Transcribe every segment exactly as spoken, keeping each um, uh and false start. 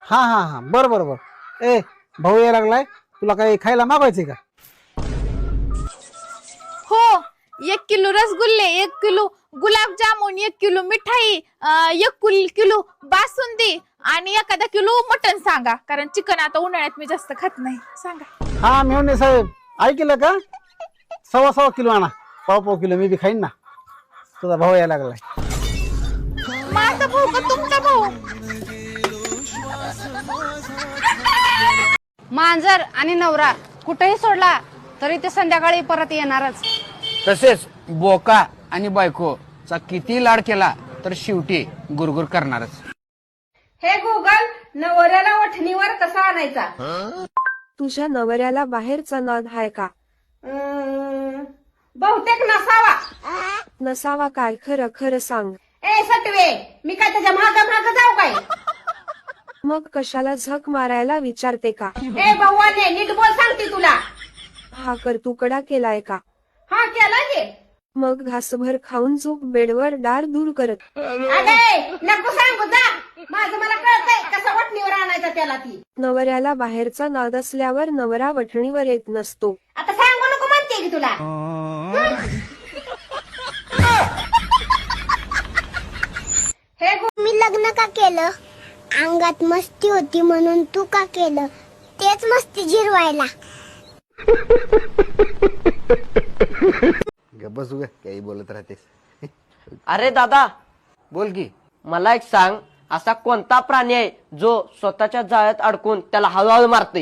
हा हा हा बरं बरं बरं. ए भाऊ यायला लागलाय, तुला काही खायला मागवायचंय का? हो, एक किलो रसगुल्ले, एक किलो गुलाबजामुन, एक किलो मिठाई, अं, एक कुल- किलो बासुंदी आणि एखादा किलो मटन सांगा, कारण चिकन आता उन्हाळ्यात मी जास्त खात नाही. सांगा. हा मेवणे साहेब ऐकलं का? सव्वा सव्वा किलो आणा, पाव पाव किलो मी बी खाईन ना. तुझा भाऊ यायला लागलाय. माझा भाऊ का तुमचा भाऊ? मांजर आणि नवरा कुठेही सोडला तरी ते संध्याकाळी परत येणारच. तसेच बोका आणि बायकोचा किती लाड केला तर शेवटी गुरगुर करणारच. हे गुगल, नवऱ्याला वठणीवर कसा आणायचा? तुझ्या नवऱ्याला बाहेरचा नाद हाय का? अं, बहुतेक नसावा. नसावा काय? खरं खरं सांग. ए सटवे, मी काय त्याच्या माग माग जाऊ काय? मग कशाला झक मारायला विचारते का? ए भाऊने नीट बोल, सांगते तुला. हा कर तुकडा केलाय का? हा केला की. मग घासभर खाऊन झोप बेडवर दार दूर करत. अगे नको सांगू जा, माझं मला कळतंय कसा वठणीवर आणायचा त्याला. ती नवऱ्याला बाहेरचा नाद असल्यावर नवरा वठणीवर येत नसतो. आता सांगू नको म्हणते की तुला. हे मी लग्न का केलं? अंगात मस्ती होती म्हणून. तू का केलं? तेच मस्ती जिरवायला. बस उगा काही बोलत राहतेस. अरे दादा, बोल की. मला एक सांग, असा कोणता प्राणी आहे जो स्वतःच्या जाळ्यात अडकून त्याला हळूहळू मारतोय?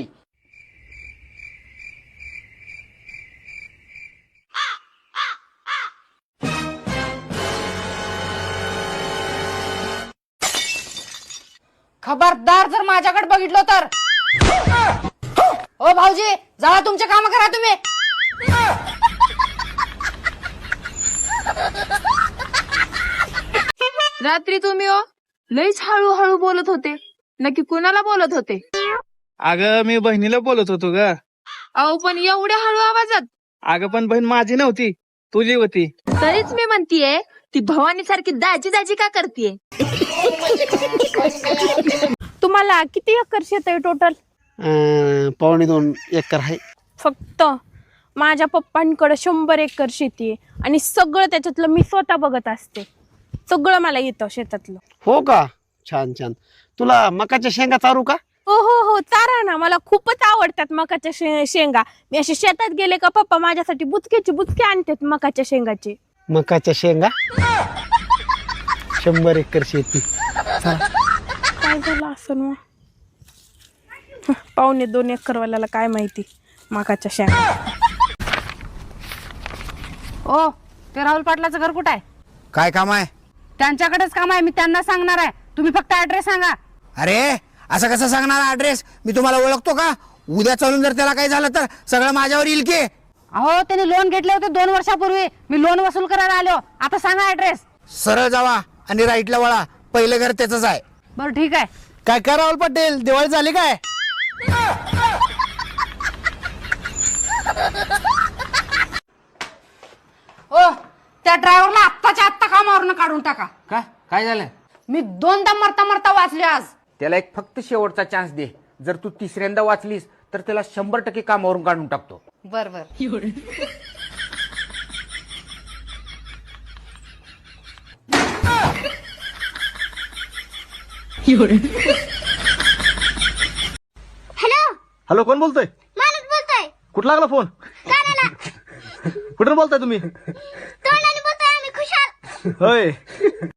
खबरदार जर माझ्याकडे बघितलं तर. ओ भाऊजी, जावा तुमचे काम करा तुम्ही. रात्री तुम्ही ओ लईच हळूहळू बोलत होते. नक्की कुणाला बोलत होते? अगं मी बहिणीला बोलत होतो ग. अहो पण एवढ्या हळू आवाजात? अगं पण बहीण माझी नव्हती, तुझी होती. तरीच मी म्हणतीये, ती भवानी सारखी दाजी दाजी का करतीये? तुम्हाला किती एकर शेत आहे टोटल? अं, पावणे दोन एकर आहे. फक्त माझ्या पप्पांकडे शंभर एकर शेती आहे आणि सगळं त्याच्यातलं मी स्वतः बघत असते. सगळं मला येतं शेतातलं. हो का? छान छान. तुला मकाच्या शेंगा चारू का? हो हो हो, चारा ना. मला खूपच आवडतात मकाच्या शे- शेंगा. मी असे शेतात गेले का पप्पा माझ्यासाठी बुचक्याची बुचके आणतात मकाच्या शेंगाचे. मकाच्या शेंगा शंभर एकर शेती. काय झालं असं मग? पावणे दोन एकर वाल्याला काय माहिती मकाच्या शेंगा. ओ, ते राहुल पाटलाचं घर कुठं आहे? काय काम आहे? त्यांच्याकडेच काम आहे, मी त्यांना सांगणार आहे. तुम्ही फक्त ऍड्रेस सांगा. अरे असं कसं सांगणार ऍड्रेस? मी तुम्हाला ओळखतो का? उद्या चालून जर त्याला काही झालं तर सगळं माझ्यावर येईल की. अहो, त्यांनी लोन घेतले होते दोन वर्षापूर्वी. मी लोन वसूल करायला आलो. आता सांगा ऍड्रेस. सरळ जावा आणि राईटला वळा. पहिलं घर त्याच आहे. बरं ठीक आहे. काय काय राहुल पाटील, दिवाळी झाली काय? ओ, त्या ड्रायव्हरला आत्ताच्या आत्ता कामावरनं काढून टाका. का? काय झालं? मी दोनदा मरता मरता वाचले आज. त्याला एक फक्त शेवटचा चान्स दे. जर तू तिसऱ्यांदा वाचलीस तर त्याला शंभर टक्के कामावरून काढून टाकतो. बर बर. हॅलो, हॅलो, कोण बोलतोय? मालक बोलतोय. कुठला लागला फोन? कानाला. कुठून बोलताय तुम्ही? तोंडाने बोलतोय आम्ही खुशाल. होय.